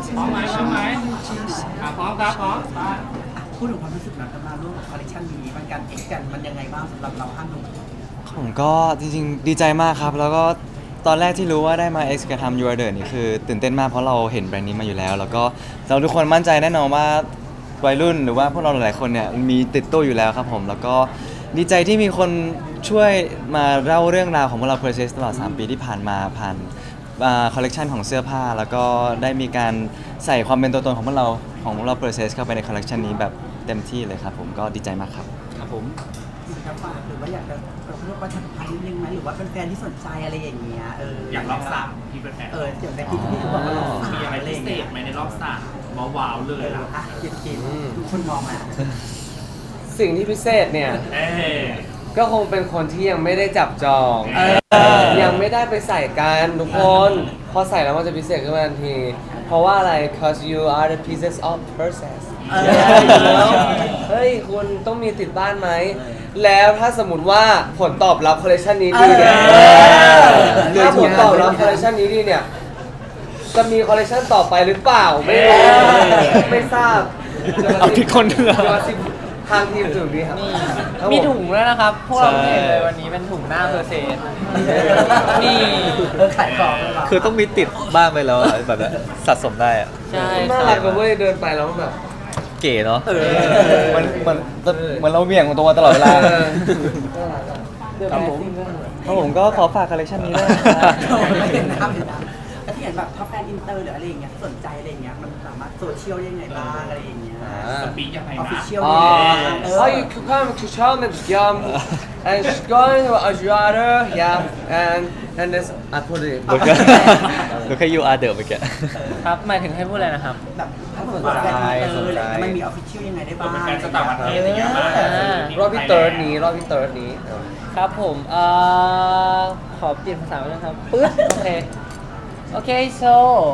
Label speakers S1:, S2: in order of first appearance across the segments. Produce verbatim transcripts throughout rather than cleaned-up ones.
S1: พร้อมไหมพร้อมไหมอ่ะพร้อมครับพร้อมไป
S2: พูดถึงความรู้สึกหลังจากมาร่วมกับคอลเลคชันนี้มันการเอ็กกันมันยังไงบ้างสำหรับเราห้าหนุ่ม
S3: ผมก็จริงๆดีใจมากครับแล้วก็ตอนแรกที่รู้ว่าได้มา X กับทำ You Are The นี่คือตื่นเต้นมากเพราะเราเห็นแบรนด์นี้มาอยู่แล้ว แล้วก็เราทุกคนมั่นใจแน่นอนว่าวัยรุ่นหรือว่าพวกเราหลายๆคนเนี่ยมีติดตัวอยู่แล้วครับผมแล้วก็ดีใจที่มีคนช่วยมาเล่าเรื่องราวของพวกเรา Process ตลอดสามปีที่ผ่านมาผ่านคอลเลกชันของเสื้อผ้าแล้วก็ได้มีการใส่ความเป็นตัวตนของพวกเราของพวกเรา Process เข้าไปในคอลเลกชันนี้แบบเต็มที่เลยครับผมก็ดีใจมากครับครับผม
S2: จะฝากหรือว่าอยากจะเรียกว่าประชาสัมพันธ์นิดนึงไหมหรือว่าเป็นแฟนที่สนใจอะไรอย่างเงี้ยเอออย
S1: อากรอบสามที่เป็นแฟน
S2: เออเดี๋ยวแบที่ที่เขาบอกว่าเรา
S1: มีอะไรพิเศษไหมในรอบสามว้าวๆเลยล่ะ
S2: อ่ะเกินเกินทุกคนมองมา
S4: สิ่งที่พิเศษเนี่ย
S1: เอ๊ะ
S4: ก็คงเป็นคนที่ยังไม่ได้จับจอง
S1: เออ
S4: ยังไม่ได้ไปใส่กันทุกคนพอใส่แล้วมันจะพิเศษขึ้นมาทันที เพราะว่าอะไร cause you are the pieces of process
S2: เออ
S4: เฮ้ยคุณต้องมีติดบ้านไหม แล้วถ้าสมมติว่าผลตอบรับคอลเลคชันนี้ดีเนี่ย
S2: เออ
S4: ถ้าผลตอบรับคอลเลคชันนี้ดีเนี่ย จะมีคอลเลคชันต่อไปหรือเปล่า ไม่รู้ ไม่ทราบ
S3: เอาผิดคนด้วยเหรอ
S4: จะมาสิทางทีมถึงดีครับครับ
S5: มี
S4: ผ
S5: ถุงแล้วนะครับ พวกเรา
S3: ใช่
S5: เห็นเลยวันนี้เป็นถุงหน้าเพอร์เซนนี่
S2: เออขายของเลยเหรอ
S3: คือต้องมีติดบ้างไปแล้วอะแบบนั้นสะสมได้อะ
S5: ใช่
S4: น่า
S5: ค
S4: รั
S5: รั
S4: ก
S5: บ
S4: กันเว้ยเดินไปแล้วแบบ
S3: เก๋เนาะ
S4: เออ
S3: มันมันเหมือนเราเบี่ยงของตัวตลอดเวลา
S4: เออน่ารักอะเดิน
S3: ครับ
S4: ไป
S3: ผม
S4: ซิ่งก็เหมือน
S3: ครับผมก็ขอฝากคอลเลคชันนี้ด้วยนะครับ
S2: ไม่เห็นน้ำเห็นน้ำแล้วที่เห็นแบบถ้าแฟนอินเตอร์หรืออะไรอย่างเงี้ยสนใจอะไรอย่างเงี้ยมันสามารถโซเชียลได้ยังไงบ้างอะไรอย่างเงี้ย
S1: สปีกยังไง
S2: ออฟฟิ
S1: นะ
S2: เชียล
S4: อ๋อ
S2: เอ
S4: อ๋อ
S2: อ
S4: you could come to Charlotte yum and she's going to Ajuada yeah and and this I put it
S3: ดูแค่ดูแค่ You Are The เมื่อกี้
S5: ครับ หมายถึงให้พูดอะไรนะครับ
S2: แบบถ้าสนใจแฟนอินเตอร์อะไรอย่างเงี้ยมันมีออฟฟิเชียลยังไงได้บ้าง
S1: เป็นแฟนสตาร์ประเทศอย่างเงี้ยมาก
S4: รอบที่เติร์ดนี้รอบที่เติร์ดนี้
S5: ครับผมเอ่อขอเปลี่ยนภาษาไปนะครับปึ๊บโอเค โอเค so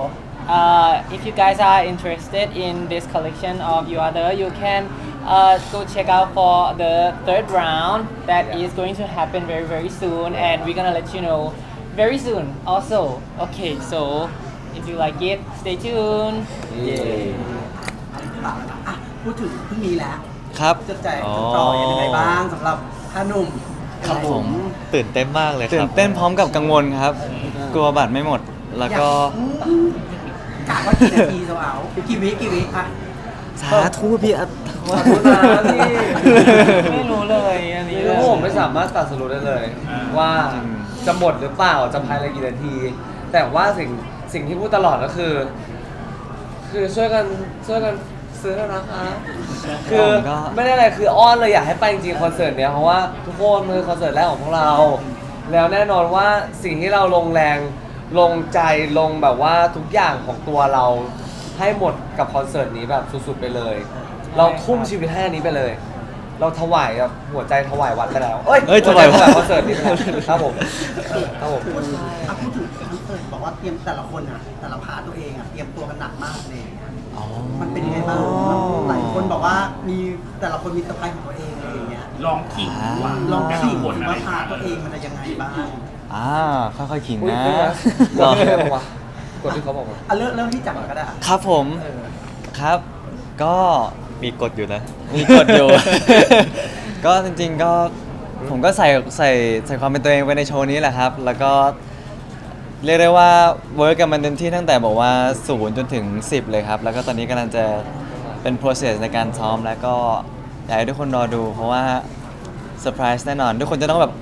S5: uh, if you guys are interested in this collection of You Are The, you can uh, go check out for the third round that
S4: Yeah.
S5: is going to happen very very soon and we're gonna let you know very soon also. Okay, so if you like it, stay tuned.
S4: เย้
S2: อันนี้ฝากแล้วนะอ่ะพูดถึงพรุ่งนี้แล้ว
S3: ครับ
S2: จะใจจะต่อยังไงบ้างสำหรับท่านุ่ม
S3: ครับผม
S6: ตื่นเต้นมากเลยครับ
S3: ตื่นเต้นพร้อมกับกังวลครับ กลัวบัตรไม่หมด แล้วก็
S2: กะว่ากี่นาทีเราเอากี่วิกี่วิอ่ะ
S3: สาธุพี่อัด
S4: ขอบคุณนะพี่
S5: ไม่รู้เลยอันนี้
S4: คือผมไม่สามารถตัดสรุปได้เลย ว่าจะหมดหรือเปล่าจะภายในกี่นาที แต่ว่าสิ่งสิ่งที่พูดตลอดก็คือ คือช่วยกันช่วยกันซื้อแล้วนะคะคือไม่ได้อะไรคืออ้อนเลยอยากให้ไปจริงๆคอนเสิร์ตเนี้ยเพราะว่าทุกคนมือคอนเสิร์ตแรกของพวกเรา แล้วแน่นอนว่าสิ่งที่เราลงแรงลงใจลงแบบว่าทุกอย่างของตัวเราให้หมดกับคอนเสิร์ตนี้แบบสุดๆไปเลย เราทุ่มชีวิตให้อันนี้ไปเลย เราถวายแบบหัวใจถวายวัดไปแล้วเอ้ย
S3: เอ้ยถวายวัด
S4: หัใจคอนเสิร์ตนี้ไปแล้วครับผมครับผม
S2: พูดถึงอ่ะพูดถึงคอนเสิร์ตบอกว่าเตรียมแต่ละคนอ่ะแต่ละพาร์ทตัวเองอ่ะเตรียมตัวกันหนักมากเลยมันเป็นยังไงบ้างหลายคนบอกว่ามีแต่ละคนมีสไตล์ของตัวเองอะไรอย่างเงี้ย
S1: ลองขิงว่า
S2: ลอง
S1: แต่ละ
S2: ขี่
S1: คน
S2: ดู
S1: อะไร
S2: ว่าพาร์ทตัวเองมันจะยังไงบ้าง
S3: อ่าค่อยๆขิง
S4: อุ๊ย
S3: นะ
S4: กดที่เขาบอกว่ากดที่เขาบอกว่า
S2: อ่ะเริ่มเริ่มที่จับก่อนก็ได้อ่ะ
S3: ครับผม
S2: เออ
S3: ครับ ก็
S6: มีกฎอยู่นะ
S3: มีกฎอยู่ ก็จริงๆก็ผมก็ใส่ใส่ใส่ความเป็นตัวเองไปในโชว์นี้แหละครับ แล้วก็เรียกได้ว่าเวิร์กกับมันเต็มที่ตั้งแต่บอกว่าศูนย์จนถึงสิบเลยครับ แล้วก็ตอนนี้กำลังจะเป็น process ในการซ้อมแล้วก็อยากให้ทุกคนรอดู เพราะว่าเซอร์ไพรส์แน่นอน ทุกคนจะต้องแบบ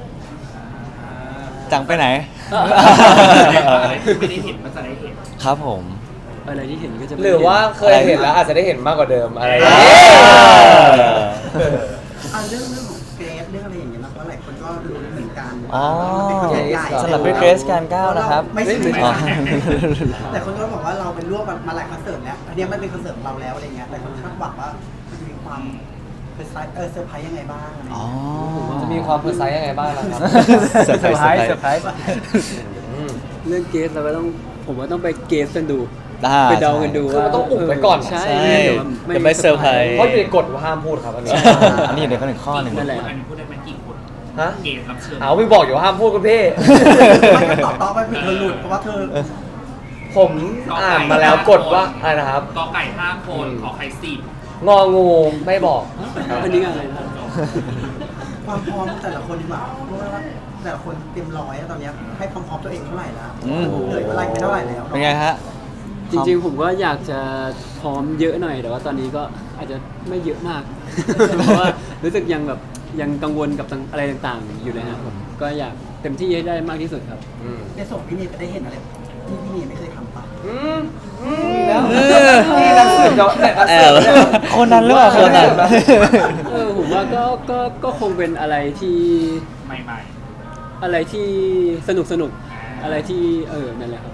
S3: จังไปไหน
S1: อะไรที่ไม่ได้เห็นมันจะได้เห็น
S3: ครับผม
S6: อะไรที่เห็นก็จะ
S4: หรือว่าเคยเห็นแล้วอาจจะได้เห็นมากกว่าเดิมอะไรอย่าง
S3: เอ
S4: เงี้ย
S3: อ
S2: อ่ะเรื่องเรื่องของเกรฟเรื่องอะไรอย่างเงี้ยนะเพราะหลายคนก็รู้เหมือนกัน
S3: อ๋อ
S2: มันเป็นคอนเสิร์ตใหญ่
S3: สำหรับพี่เกรซการก้าวนะครับ
S2: ไม่ใช่
S3: อ๋อ
S2: แต่คนก็บอกว่าเราเป็นร่วมมาหลายคอนเสิร์ตแล้วอันเนี้ยมันเป็นคอนเสิร์ตของเราแล้วอะไรเงี้ยแต่คนคาดหวังว่ามันจะมีความเป็นไซส์เออเซอร์ไพรส์ยังไงบ้างอะไร
S3: อ๋อ
S2: เงี้ย
S4: จะมีความเพอร์ไซส์ยังไงบ้างนะครับ
S3: เซอร์ไพรส์เซอร์ไพรส์
S6: เรื่องเกสเราก็ต้องผมว่าต้องไปเกสกันดู
S3: อ่า
S6: ไปเดากันดู
S4: คือ
S6: ว่า
S4: มันต้องอุบไว้ก่อน
S6: ใช่
S3: ใช่
S6: เดี๋ยว
S3: จะไม่เซอร์ไพรส์
S4: เพราะอยู่ในกฎว่าห้ามพูดครับอันนี้
S3: อันนี้เดี๋ยวก็หนึ่งข้อหนึ่ง
S6: นั่นแหละ
S1: อันนี้พูดได้ไหมกี่คน
S4: ฮะ
S1: เกมรับเชิญ
S4: เอาไม่บอกอยู่ว่าห้ามพูดคุณพี่
S2: ไม่ก็ตอบต่อไปผิดเธอหลุดเพราะว่าเธอ
S4: ผมอ่านมาแล้วกดว่าอะไรนะครับ
S1: กอไก่ห้าคนขอไข่สิบ
S4: งองูไม่บอกครับ
S6: อันนี้อะไรนะ
S2: ความพร้อมแต่ละคนดีกว่าเพราะว่าแต่ละคนเตรียมร้อยอะตอนเนี้ยให้ความพร้อมตัวเองเท่าไหร่แล้ว
S3: อืม
S2: เหนื่อยเวลาไปเท่าไหร่แล้ว
S3: เป็นไงฮะ
S6: จริงๆผมก็อยากจะพร้อมเยอะหน่อยแต่ว่าตอนนี้ก็อาจจะไม่เยอะมาก เพราะว่ารู้สึกยังแบบยังกังวลกับอะไรต่างๆ อยู่เลยนะครับผมก็อยากเต็มที่ให้ได้มากที่สุดครับ
S4: อืม
S2: ได้ส่งพี่เนยไปได้เห็นอะไรที่พี่เนยไม่เคยทำปะ
S4: อืมอืมแล้วนี่นักสืบเนาะเนี่ยนัก
S3: แอ
S4: สื
S3: บบ
S4: เนี่ย
S3: คนนั้นหรือเปล่าคนนั้น
S6: เออผมว่าก็ก็ก็คงเป็นอะไรที่
S1: ใหม่
S6: อะไรที่สนุกสนุกอะไรที่เออนั่นแหละครับ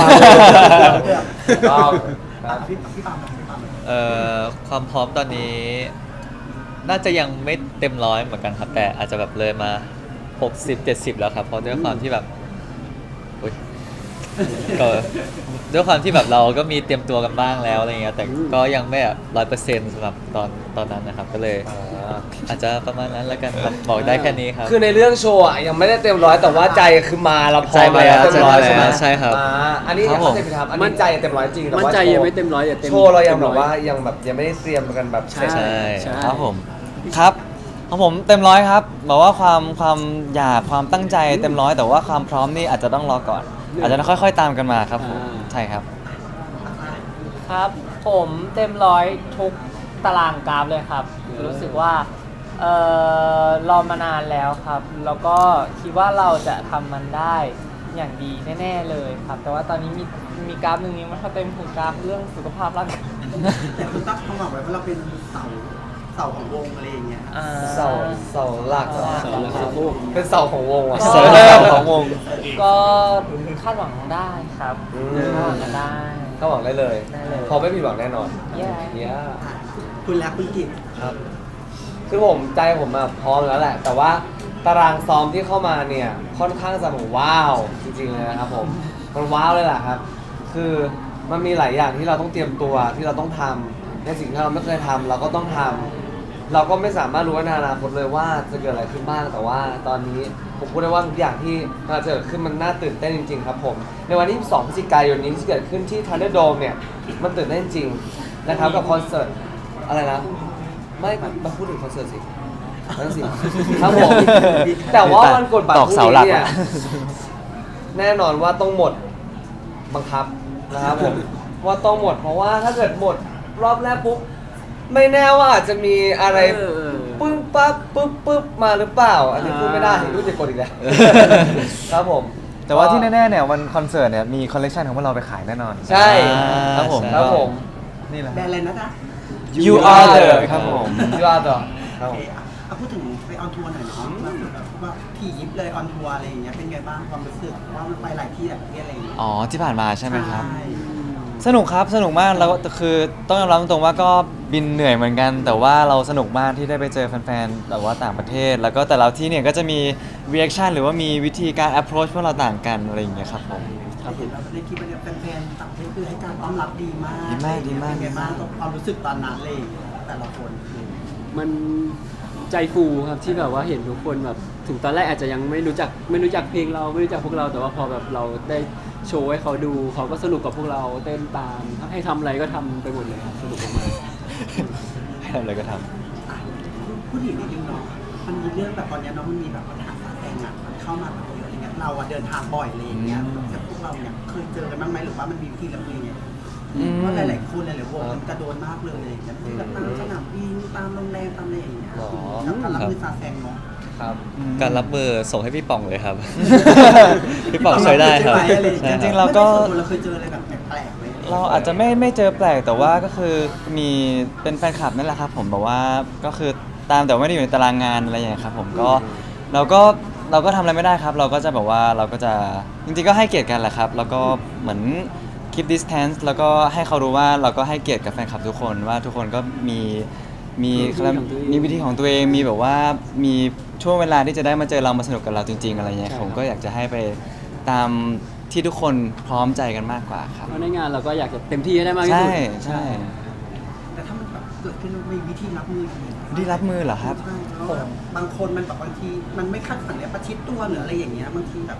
S4: ต้องค
S2: อ่ะ
S4: รับ
S2: พี่พี่ปามพี่ปาม
S7: เอ่อความพร้อมตอนนี้ น่าจะยังไม่เต็มร้อยเหมือนกันครับ แต่อาจจะแบบเลยมาหกสิบ เจ็ดสิบแล้วครับเพราะด้วยความที่แบบอุ๊ยก็ด้วยความที่แบบเราก็มีเตรียมตัวกันบ้างแล้วอะไรเงี้ยแต่ก็ยังไม่แบบร้อยเปอร์เซ็นต์สำหรับตอนตอนนั้นนะครับ ก็เลย
S4: อ่า
S7: อาจจะประมาณนั้นแล้วกันครับบอกได้แค่นี้ครับ
S4: คือในเรื่องโชว์อะยังไม่ได้เต็มร้อยแต่ว่าใจคือมาเราพร้อ
S7: ใจ
S4: ม
S7: มาแล้ว
S4: เต็มร้อย
S7: ใจ
S4: ใช่ไหม
S7: มาแล้วใช่ครับ
S4: อ่าอันนี้
S7: ครับผม
S4: เข้าใจผิดครับอันนี้ใจเต็มร้อยจริงแต่
S6: มั่น
S4: ว่า
S6: ใจ
S4: โช
S6: ยัง
S4: ว์
S6: ไม่เต็มร้อยแต่เต็ม
S4: โชว์เรายัง
S6: ต็
S4: แบบ
S6: ร้อ
S4: ว่ายังแบบยังไม่ได้เตรียมกันแบบ
S6: ใช่
S7: ใช่
S6: ใช่
S3: ครับผมครับของผมเต็มร้อยครับบอกว่าความความอยากความตั้งใจเต็มร้อยแต่ว่าความพร้อมนี่อาจจะต้องรอก่อน อาจจะค่อยๆตามกันมาครับผม
S6: อ่า
S3: ใช่ครับ
S5: ครับผมเต็มร้อยทุกตารางกราฟเลยครับ รู้สึกว่าเอ่อรอมานานแล้วครับ แล้วก็คิดว่าเราจะทำมันได้อย่างดีแน่ๆเลยครับ แต่ว่าตอนนี้มีมีกราฟหนึ่งนี้มันเขาเต็มคือกราฟเรื่องสุขภาพร่างกาย
S2: แต่คุณตั้งความหวังไว้ว่าเราเป็นเสาเสาของวงอะไรอย่างเงี้ย
S5: อ่า
S4: เสาเสาหลัก
S5: เสาหลัก
S6: เสาหลักสะโพก
S4: เป็นเสาของวงอ่ะ
S5: เสา
S3: ของวง
S5: ก็คาดหวังได้ครับ
S4: อืม
S5: คาดหวังกันได้
S4: เข้าหวังได้เลย
S5: ได้เลย
S4: พอไม่ผิดหวังแน่นอน
S5: เย้
S4: เนี่ย
S2: อ่ะคุณแล้วคุณกิจ
S4: ครับคือผมใจผมอะพร้อมแล้วแหละ แต่ว่าตารางซ้อมที่เข้ามาเนี่ยค่อนข้างจะแบบว้าวจริงๆเลยนะครับผมมันว้าวเลยแหละครับ คือมันมีหลายอย่างที่เราต้องเตรียมตัวที่เราต้องทำในสิ่งที่เราไม่เคยทำเราก็ต้องทำเราก็ไม่สามารถรู้ในอนาคตเลยว่าจะเกิดอะไรขึ้นบ้างแต่ว่าตอนนี้ผมพูดได้ว่าทุกอย่างที่มันจะเกิดขึ้นมันน่าตื่นเต้นจริงๆครับผมในวันที่สองพฤศจิกายนนี้ที่จะเกิดขึ้นที่ Thunderdome เนี่ยมันตื่นเต้นจริงนะครับกับคอนเสิร์ตอะไรนะไม่มาพูดถึงคอนเสิร์ตสินั่นสิครับผมแต่ว่าวันกดบัตร
S3: ตอก
S4: พรุ่ง
S3: เสาหลั
S4: นี้
S3: ก
S4: เนี่ย
S3: อะ
S4: แน่นอนว่าต้องหมดบังคับนะครับผมว่าต้องหมดเพราะว่าถ้าเกิดหมดรอบแรกปุ๊บไม่แน่ว่าอาจจะมีอะไร
S6: เออ
S4: ปึ้งปั๊บปึ๊บปึ๊บมาหรือเปล่า อันนี้พูดไม่ได้รู้จะกดอีกแล้ว ครับผม
S3: แต่ว่าที่แน่ๆเนี่ยวันคอนเสิร์ตเนี่ยมีคอลเลกชันของพวกเราไปขายแน่นอน
S4: ใช่
S3: ครับผม
S4: ครับผม
S3: นี่แหละ
S2: แบรนด์อะไรนะจ๊ะ
S3: You are the ครับผม
S4: ยูอาร์ต่อค
S2: โอ
S4: รับผ
S2: เค
S4: ม
S2: อ่ะเอาพูดถึงไปออนทัวร์หน่อยเนาะว่าแบบว่าที่ยิปเลยออนทัวร์อะไรอย่างเงี้ยเป็นไงบ้างความรู้สึกว่ามันไปหลายที่หลายประเทศอะไรอย่างเงี้ย
S3: อ๋อที่ผ่านมาใช่ไหมครับ
S2: ใช่
S3: สนุกครับสนุกมากแล้วก็คือต้องยอมรับตรงๆว่าก็บินเหนื่อยเหมือนกัน แต่ว่าเราสนุกมากที่ได้ไปเจอแฟนๆแบบว่าต่างประเทศ แล้วก็แต่ละที่เนี่ยก็จะมี reaction หรือว่ามีวิธีการ approach พวกเราต่างกันอะไรอย่างเงี้ยครับผม
S2: เราเห็นแบบในคลิปเนี่ยแฟนๆต่างประเทศคือให้การต้อนรับดีมาก
S3: ดีมากดีมาก
S2: เป็นไงบ้างความรู้สึกตอนนั้นเลยแต่ละคน
S6: มันใจฟูครับที่แบบว่าเห็นทุกคนแบบถึงตอนแรกอาจจะยังไม่รู้จักไม่รู้จักเพลงเราไม่รู้จักพวกเราแต่ว่าพอแบบเราได้โชว์ให้เขาดูเขาก็สนุกกับพวกเราเต้นตามให้ทำอะไรก็ทำไปหมดเลยครับสนุกมาก
S3: ให้ทำอะไรก็ท
S2: อ่ะพูดถึงนิดนึงเนาะมันมีเรื่องแบบตอนเนี้ยเนาะมันมีแบบปัญหาฟ้าแฝงอ่ะมันเข้ามาแบบเยอะอะไรเงี้ยเราอะเดินทางบ่อยอะไรอย่างเงี้ยแต่พวกเราเนี่ยเคยเจอกันบ้างไหมหรือว่ามันมีวิธีรับมือไง
S3: อืม
S2: ว่าหลายๆคนหลายๆวงมันกระโดนมากเลยอะไรอย่างเงี้ยที่แบบตามสนามบินตามโรงแรมตามอะไรอย่างเงี้ย
S4: หรอ
S2: แล้วการรับมือฟ้าแฝงเนาะ
S4: ครับ
S3: ำ
S7: การรับมือส่งให้พี่ป่องเลยครับ พี่ป่องช่วยได้ครับ
S2: ใช่ไหมอะไรอย่
S7: ใช่
S2: ย
S3: จริงๆ
S7: ค
S3: เรา
S7: บ
S3: ก็
S2: ไม่ได้ส่วนตัวเราเคยเจออะไรแบบแปลกๆไหม
S3: เราอาจจะไม่ไม่เจอแปลกแต่ว่าก็คือมีเป็นแฟนคลับนั่นแหละครับผมแบบว่าก็คือตามแต่ว่าไม่ได้อยู่ในตารางงานอะไรอย่างเงี้ยครับผมก็เราก็เราก็ทำอะไรไม่ได้ครับ เราก็จะแบบว่าเราก็จะจริงๆก็ให้เกียรติกันแหละครับ แล้วก็เหมือน keep distance แล้วก็ให้เขารู้ว่าเราก็ให้เกียรติกับแฟนคลับทุกคนว่าทุกคนก็มีมีมีวิธีของตัวเองมีแบบว่ามีช่วงเวลาที่จะได้มาเจอเรามาสนุกกับเราจริง ๆ อะไรเงี้ยผมก็อยากจะให้ไปตามที่ทุกคนพร้อมใจกันมากกว่าครับ
S6: เพราะในงานเราก็อยากจะเต็มที่ให้ได้มากที่สุด
S3: ใช่ใช่
S2: แต่ถ้ามันแบบเกิดขึ้นมีวิธีรับมือยังไง
S3: ได้รับมือเหรอครับ
S2: ใช่เพราะว่าบางคนมันแบบบางทีมันไม่คาดฝันเลยประชิดตัวหรืออะไรอย่างเงี้ยบางทีแบบ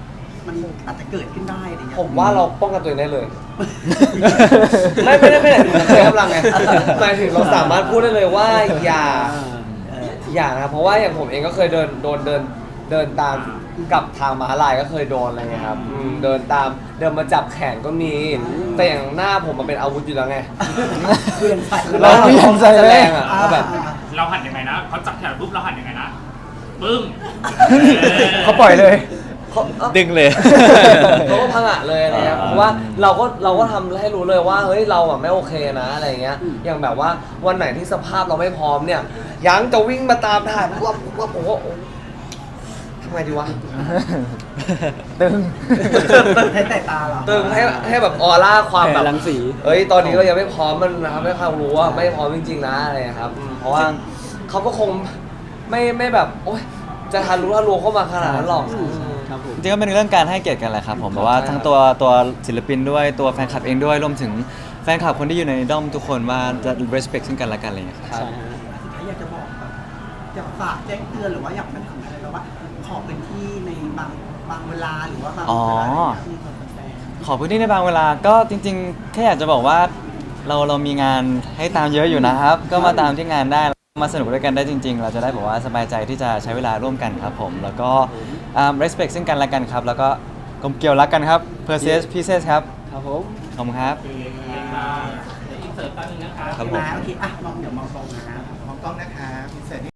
S2: มันอาจจะเกิดขึ้นได้อะไรเงี้ย
S4: ผมว่าเราป้องกันตัวเองได้เลย ไม่ไม่ได้ไม่ได้ถึงใช้กำลังไงหมายถึงเราสามารถพูดได้เลยว่าอย่า อย่านะเพราะว่าอย่างผมเองก็เคยเดินโดนเดินเดินตามกับทางม้าลายก็เคยโดนอะไรเงี้ยครับอืมเดินตามเดินมาจับแขนก็มี แต่อย่างหน้าผมมันเป็นอาวุธอยู่แล้วไง
S2: เพื่อนใส่
S4: คือเรา
S3: เปลี่ยนใจเลย
S4: แสดงอะว่าแบบ
S1: เราหันยังไงนะเขาจับแขนปุ๊บเราหันยังไงนะปึ้ง
S3: เขาปล่อยเลย
S4: เขาเอ้า
S7: ดึงเลย
S4: เขาก็พังอะเลยอะไรเงี้ย
S3: อ่า
S4: เพราะว่าเราก็เราก็ทำให้รู้เลยว่าเฮ้ยเราอะไม่โอเคนะอะไรเงี้ย อย่างแบบว่าวันไหนที่สภาพเราไม่พร้อมเนี่ย ยังจะวิ่งมาตามถ่ายว่าว่าผมว่าโอ๊ยทำไงดีวะ
S3: ตึง
S2: ให้แต่ตาเรา
S4: ตึงให้ให้แบบออร่าความแบบ
S6: แผ่รังสี
S4: เฮ้ยตอนนี้เรายังไม่พร้อมมันนะครับให้ความรู้ว่าไม่พร้อมจริงๆนะอะไรครับอืมเพราะว่าเขาก็คงไม่ไม่แบบโอ๊ยจะทารู้ทะลวงเข้ามาขนาดนั้นหรอกอืม
S6: ครับผม
S3: จริงๆก็เป็นเรื่องการให้เกียรติกันแหละครับผมแบบว่า
S4: ใช่
S3: ทั้งตัวตัวศิลปินด้วยตัวแฟนคลับเองด้วยรวมถึงแฟนคลับคนที่อยู่ในด้อมทุกคนว่าจะ respect ซึ่งกันและกันอะไรอย่างเงี้ยครับ
S6: ใช่ฮะ
S2: สุดท้ายอยากจะบอกแบบอยากฝากแจ้งเตือนหรือว่าอยากเป็นทำอะไรแบบว่า ขอพื้นที่ในบางบางเวลาหรือว่าบาง
S3: อ๋อ
S2: เวลาอะไรอย่างเงี้ยที่คนแฟน
S3: ขอพื้นที่ในบางเวลาก็จริงๆแค่อยากจะบอกว่าเราเรามีงานให้ตามเยอะอยู่นะครับ ก็มาตามที่งานได้มาสนุกด้วยกันได้จริง ๆ เราจะได้แบบว่าสบายใจที่จะใช้เวลาร่วมกันครับผมแล้วก็อ่า respect ซึ่งกันและกันครับ แล้วก็กลมเกลียวรักกันครับ p e r s e s pieces ครับ
S6: ครับผม
S3: ขอบคุณครับ
S1: อินเสิร์ตตั้งนึงนะคะ
S3: ครับผม
S2: นะโอเคอ่ะมองเดี๋ยวมองตรงนะ
S8: มองกล้องนะคะพิเศษ